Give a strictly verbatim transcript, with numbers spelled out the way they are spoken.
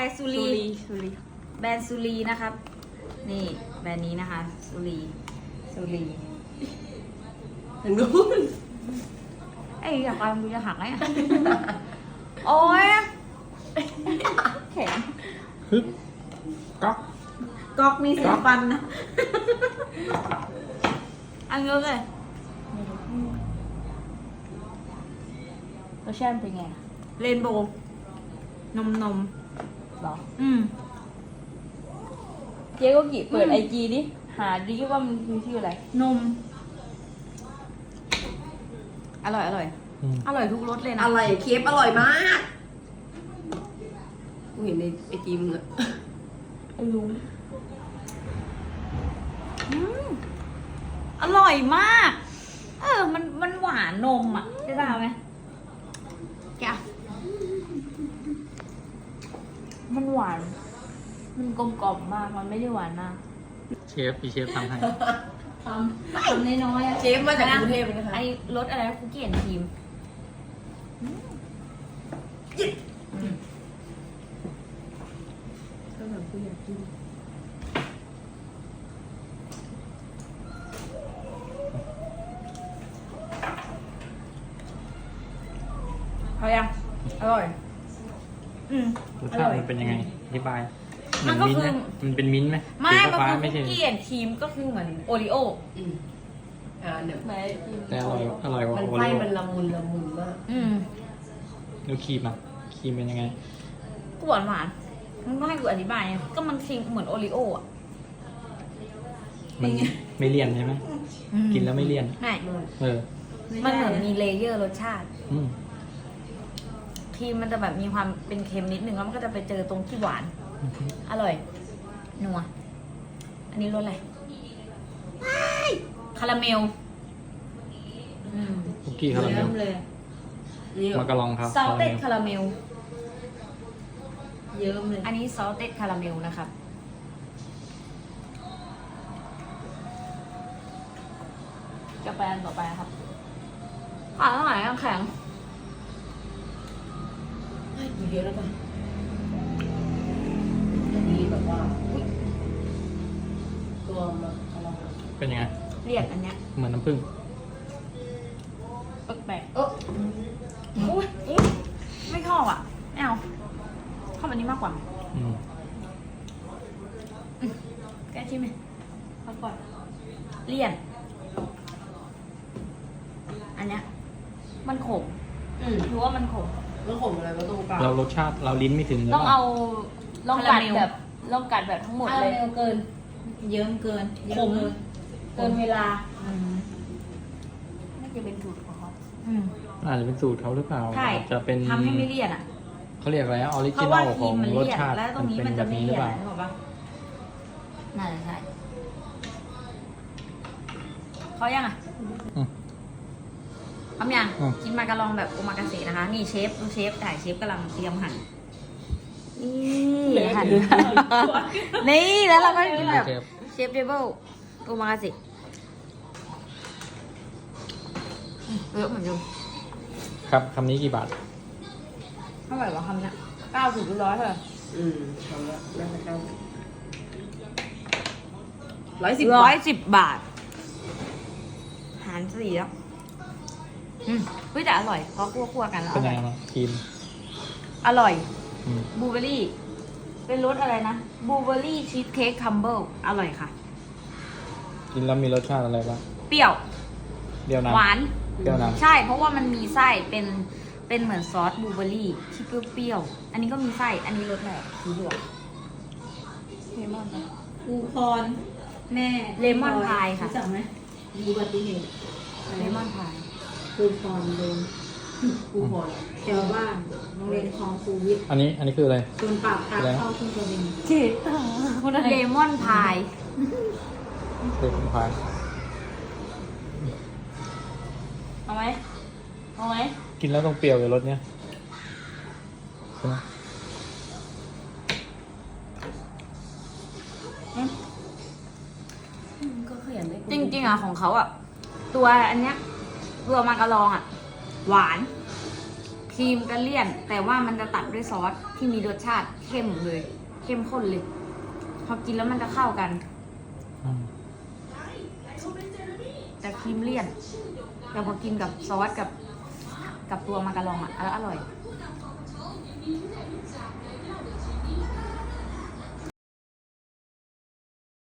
อะไรซูรีซูรีแบรนด์ซูรีนะครับ นี่แบรนด์นี้นะคะซูรีซูรีทางนู้นไอ้ยอยากไปมึงจะหักไหมอะ โอ้ยแข็งฮึบก๊อกก๊อกมีเสียงฟันนะอันเยอะเลยรสชาติเป็นไงเรนโบว์นมนมหรออืมเจ๊ก็กี่เปิดอืมไอจีดิหาดิว่ามันคือชื่ออะไรนม อร่อยอร่อยอืมอร่อยทุกรสเลยนะอะไรเคฟอร่อยมากกูเห็นในไอจีมึงอะไอ้ลุงอืมอร่อยมาก เออ มันมันหวานนมอ่ะได้ป่าวไหมแกะมันหวาน มันกลมกล่อมมาก มันไม่ได้หวานมากเชฟพี่เชฟทำให้ทำทำน้อยๆอะเชฟมาจากกรุงเทพเลยนะคะไอ้รสอะไรนะคุกกี้แอนด์ครีมก็แบบกูอยากกินเขายังอร่อย อืมรสชาติมันเป็นยังไงอธิบายมันก็คือมิ้นท์ไหมันเป็นมิ้นท์ไหมไม่สีมันฟ้าคือๆไม่คุใช่กกี้แอนด์ครีมก็คือเหมือนโอริโออืมอ่าเดี๋ยวแต่อร่อยอร่อยกว่ามันโอไส้ริโอมันละมุนละมุนมากอืมแล้วครีมอ่ะครีมเป็นยังไงก็หวานหวานๆมันก็ให้กูอธิบายไงก็มันครีมเหมือนโอริโออ่ะมันไม่เลี่ยนใช่ไหมอืมกินแล้วไม่เลี่ยนไม่เออมันเหมือนมีเลเยอร์รสชาติอืมครีมมันจะแบบมีความเป็นเค็มนิดนึงแล้วมันก็จะไปเจอตรงที่หวาน อร่อย นัว อันนี้รสอะไรคาราเมล อืมคุกกี้คาราเมลเลยนี่มากระลองครับซอสเต็ดคาราเมลเยิ้มเลยอันนี้ซอสเต็ดคาราเมลนะครับจะไปอันต่อไปครับอ่าเท่าไหร่แข็งให้กูเยอะแล้วป่ะอันนี้แบบว่าอุ๊ยตัวมันอะไรเป็นยังไงเรียกอันเนี้ยเหมือนน้ำผึ้งแปลกเอออุ๊ยอุ๊ยไม่ชอบอ่ะไม่เอาชอบอันนี้มากกว่าอืมแกชิมไหมๆพักก่อนเลี่ยน อันเนี้ย มันขมอืมรู้ว่ามันขมแล้วผมอะไรมาตรงกลางเรารสชาติเราลิ้นไม่ถึงหรืต้องปล่เอาลองกัดคาราเมลแบบลองกัดแบบทั้งหมดคาเลราย เมลเกินเยิ้มเกินขมเกินเวลาอืมน่าจะเป็นสูตรของเขาอืมอาจจะเป็นสูตรเขาหรือเปล่าใช่จะเป็นทำให้ไม่เลี่ยนอ่ะเขาเรียกอะไรออริเพจิราะนว่าอลคขรีองมมันรสเลี่ยนชาติแล้วตรงนี้มันจะไม่หรืเลี่อยนเปล่านึกออกปะน่าจะใช่เขายังอ่ะอืมทำยังอืมกินมากระลองแบบโอมากาเสะนะคะ นี่เชฟดูเชฟถ่ายเชฟกำลังเตรียมหั่นนี่หั่นนี่แล้วเราก็กินแบบเชฟเชฟเดเบิลโอมากาเสะอืมเยอะเหมือนเดิมครับคำนี้กี่บาทเท่าไหร่วะคำเนี้ยเก้าสิบหรือร้อยเท่าไหร่อืมทำแล้วน่าจะเข้าร้อยสิบร้บาอยทสิบบาท หารสี่แล้ว อืมเฮ้ยแต่อร่อยเพราะคั่วๆกันแล้วเป็อนยัร่งอยไงบ้างครีมอร่อยอืมบลูเบอร์รี่ เป็นรสอะไรนะบลูเบอร์รี่ชีสเค้กคัมเบิลอร่อยค่ะกินแล้วมีรสชาติอะไรบ้างเปรี้ยวเปรี้ยวหน้ำวานเปรี้ยวน้ใช่ เพราะว่ามันมีไส้ เป็น เป็นเหมือนซอสบลูเบอร์รี่ที่เปรี้ยวๆ อันนี้ก็มีไส้ อันนี้รสอะไรสีเหลืองเลมอนนะภูพรแม่เลมอนพายค่ะรู้จักไหมมีอุบัติเหตุเลมอนพายภูพรโดนกูพอแถวบ้านโรงเรียนคลองคูวิทย์ำอันนี้อันนี้คืออะไรโดนปราบทางอะไรนะเข้าทุ่งกระเบนจีคนอะไรเลมอนพายคือผมพายเอาไหมเอาไหมกินแล้วต้องเปรี้ยวเลยรสเนี้ยใช่ไหมก็ขยันได้จริงๆอ่ะของเขาอ่ะ ตัวอันเนี้ยตัวมากระลองอ่ะ หวานครีมก็เลี่ยน แต่ว่ามันจะตัดด้วยซอสที่มีรสชาติเข้มเลย เข้มข้นเลย พอกินแล้วมันจะเข้ากันอืมแต่ครีมเลี่ยน แต่พอกินกับซอสกับกับตัวมาการองอ่ะแล้วอร่อย